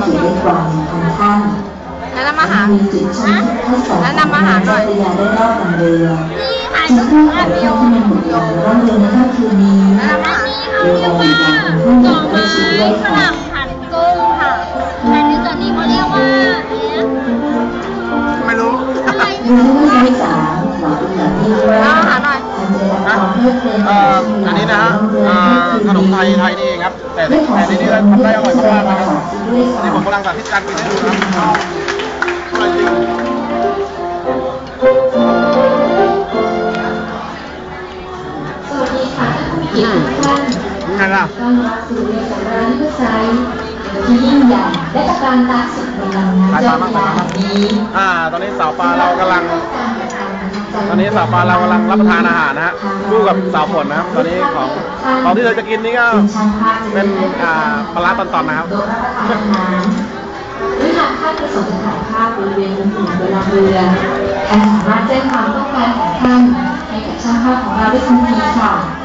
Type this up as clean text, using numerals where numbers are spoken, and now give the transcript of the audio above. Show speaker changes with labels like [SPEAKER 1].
[SPEAKER 1] เขียนได้กว่า1,000 ท่าน
[SPEAKER 2] แนะนำอาหาร
[SPEAKER 1] มีจุดชมให้สอน
[SPEAKER 2] แนะนำอาหารหน่อย
[SPEAKER 1] พยาได้รอบกันเรือจึงเพื่อแต่เพื่อที่มันหมดลงร่องเรือในค่ำคืนนี้โดยการบริการของผู้หญิงและชีวิตด้วยค่ะ
[SPEAKER 3] ผัดกุ้งค่ะแต่ในส่วนนี้เขาเรียกว่า
[SPEAKER 4] ไม่รู้
[SPEAKER 3] อะไร
[SPEAKER 1] เรือที่สามหมอเป็นแบบที่ว่าทันใจรับความเพลิดเพลิน
[SPEAKER 4] อันนี้นะฮะขนมไทยนี่เองครับแต่ที่นี่ทำได้อร่อยมากๆนะครับนี่ผมกำลังสาธิตการกินให้ดูนะครับอร่อยจริง
[SPEAKER 1] สวัสดีค่ะท่านผู้เกียรติทุกท่าน
[SPEAKER 4] ยังไงล่ะ
[SPEAKER 1] ต้อนรับสู่เรือสำราญนิพพานที่ยิ่งใหญ่และตะการตาสุดในลำน้ำเจ้าพระยาแห่งนี้
[SPEAKER 4] ตอนนี้สาวปลาเรากำลังรับประทานอาหารนะฮะคู่กับสาวฝนนะครับตอนนี้ของที่เราจะกินนี่ก็เป็นปลาร้าตอนๆนะครับ
[SPEAKER 1] โดยรับประทานอาหารหรือหากท่านประสงค์จะถ่ายภาพบริเวณมุมอื่นบนลำเรือท่านสามารถแจ้งความต้องการของท่านให้กับช่างภาพของเราได้ทันทีค่ะ